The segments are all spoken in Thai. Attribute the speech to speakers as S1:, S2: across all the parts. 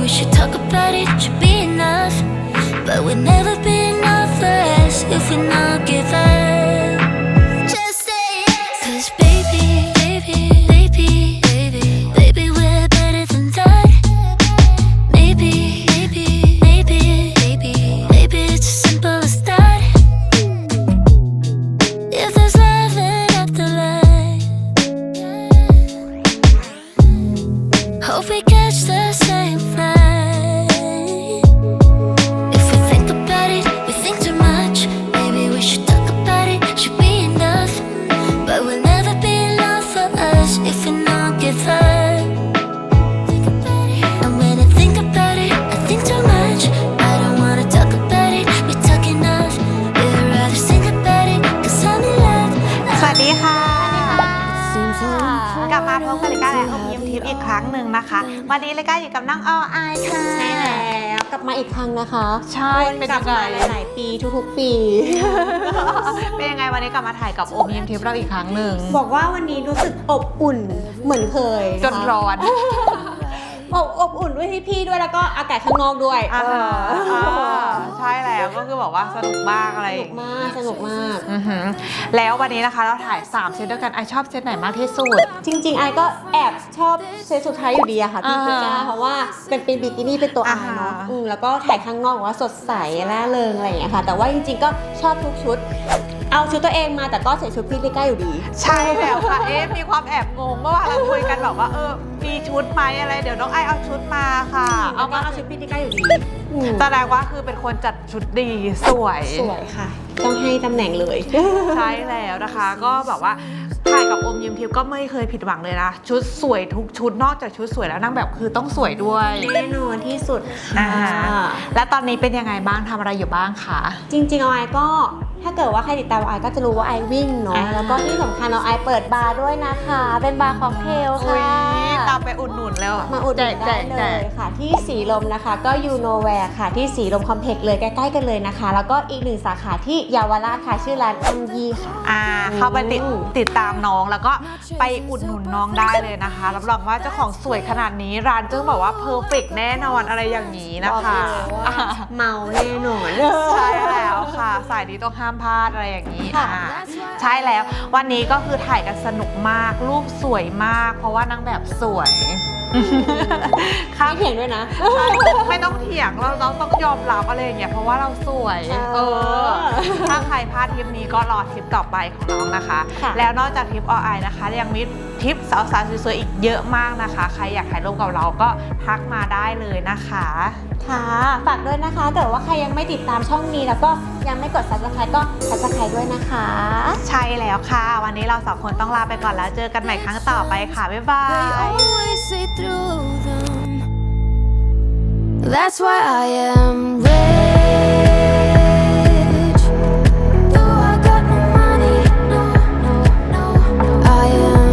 S1: should talk about it, should be enough. But we'll never be enough for us if we not give up. Just say yes. 'Cause baby, we're better than that. Maybe it's as simple as that. If there's love in afterlife, hope we catch the same flight. If we think about it, we think too much. Maybe we should talk about it, should be enough. But we'll never be enough for us if we not give up. And when I think about it, I think too much. I don't wanna talk about it, we talk enough. We'd rather sing about it, 'cause I'm in love.
S2: สวัสดีค่ะกลับมาพบกับรายการอมยิ้มทิพย์อีกครั้งหนึ่งนะคะ วันนี้รายการอยู่กับน้องออายค่ะ
S3: ใช่แล้วกลับมาอีกครั้งนะคะ
S2: ใช่เป็นยังไง
S3: หลายๆปีทุกๆปี
S2: เป็นยังไงวันนี้กลับมาถ่ายกับอมยิ้มทิพย์เราอีกครั้งหนึ่ง
S3: บอกว่าวันนี้รู้สึกอบอุ่นเหมือนเคย
S2: จนร้อน
S3: อบอุ่นด้วยพี่ๆด้วยแล้วก็อากาศข้างนอกด้วย
S2: ใช่แล้วก็คือบอกว่าสนุกมากอะไร
S3: สนุกมาก
S2: แล้ววันนี้นะคะเราถ่าย3เซตด้วยกันไอชอบเซตไหนมากที่สุด
S3: จริงๆไอก็แอบชอบเซตสุดท้ายอยู่ดีอะค่ะพี่พิก้าเพราะว่าเป็นบิกินี่เป็นตัวไอเนาะแล้วก็ถ่ายข้างนอกว่าสดใสร่าเริงอะไรอย่างเงี้ยค่ะแต่ว่าจริงๆก็ชอบทุกชุดเอาชุดตัวเองมาแต่ก็ใส่ชุดพี่พิก้าอยู่ดี
S2: ใช่แล้วค่ะมีความแอบงงเมื่อวานเราคุยกันแบบว่ามีชุดไหมอะไรเดี๋ยวน้องไอเอาชุดมาค่ะ
S3: เอาชุดพี่พิก้าอยู่ดี
S2: แสดงว่าคือเป็นคนจัดชุดดีสวย
S3: ค่ะต้องให้ตำแหน่งเลย
S2: ใช่แล้วนะคะก็แบบว่าถ่ายกับอมยิ้มทิพย์ก็ไม่เคยผิดหวังเลยนะชุดสวยทุกชุดนอกจากชุดสวยแล้วนางแบบคือต้องสวยด้วย
S3: แน่นอนที่สุด
S2: และตอนนี้เป็นยังไงบ้างทำอะไรอยู่บ้างคะ
S3: จริงๆไอก็ถ้าเกิดว่าใครติดตามไอก็จะรู้ว่าไอวิ่งเนาะแล้วก็ที่สำคัญไอเปิดบาร์ด้วยนะคะเป็นบาร์ค็อกเทลค่ะ
S2: ตามไปอุดหนุนแล้ว
S3: มาอุดหนุนได้เลยค่ะที่สีลมนะคะก็ยูโนแวร์ค่ะที่สีลมคอมเพล็กซ์เลยใกล้ๆกันเลยนะคะแล้วก็อีก1สาขาที่เยาวราชค่ะชื่อร้านอัมยีค่ะ
S2: เข้าไปติดตามน้องแล้วก็ไปอุดหนุนน้องได้เลยนะคะรับรองว่าเจ้าของสวยขนาดนี้ร้านจึงบอกว่าเพอร์เฟกต์แน่นอนอะไรอย่างนี้นะคะ
S3: เมาแน่นอน
S2: ใช่แล้วค่ะสายนี้ต้องห้ามพลาดอะไรอย่างนี้ใช่แล้ววันนี้ก็คือถ่ายกันสนุกมากรูปสวยมากเพราะว่านางแบบสวย
S3: ไม่เถียงด้วยนะ
S2: ไม่ต้องเถียงเราต้องยอมรับอะไรอย่างเงี้ยเพราะว่าเราสวยถ้าใครพลาดทริปนี้ก็รอทริปต่อไปของน้องนะคะแล้วนอกจากทริปออไอนะคะยังมีทริปสาวๆสวยๆอีกเยอะมากนะคะใครอยากถ่ายรูปกับเราก็ทักมาได้เลยนะคะ
S3: ค่ะฝากด้วยนะคะแต่ว่าใครยังไม่ติดตามช่องนี้แล้วก็ยังไม่กด Subscribe ก็ Subscribe ด้วยนะคะ
S2: ใช่แล้วค่ะวันนี้เรา2คนต้องลาไปก่อนแล้วเจอกันใหม่ครั้งต่อไปค่ะบ๊ายบาย
S1: That's why I am rich. Though I got no money, no, I am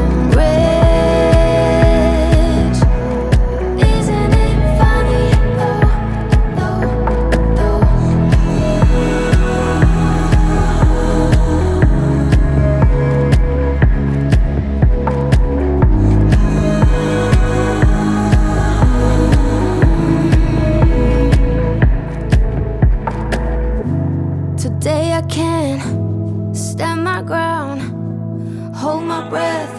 S1: rich. Isn't it funny, though? Today I can stand my ground, hold my breath.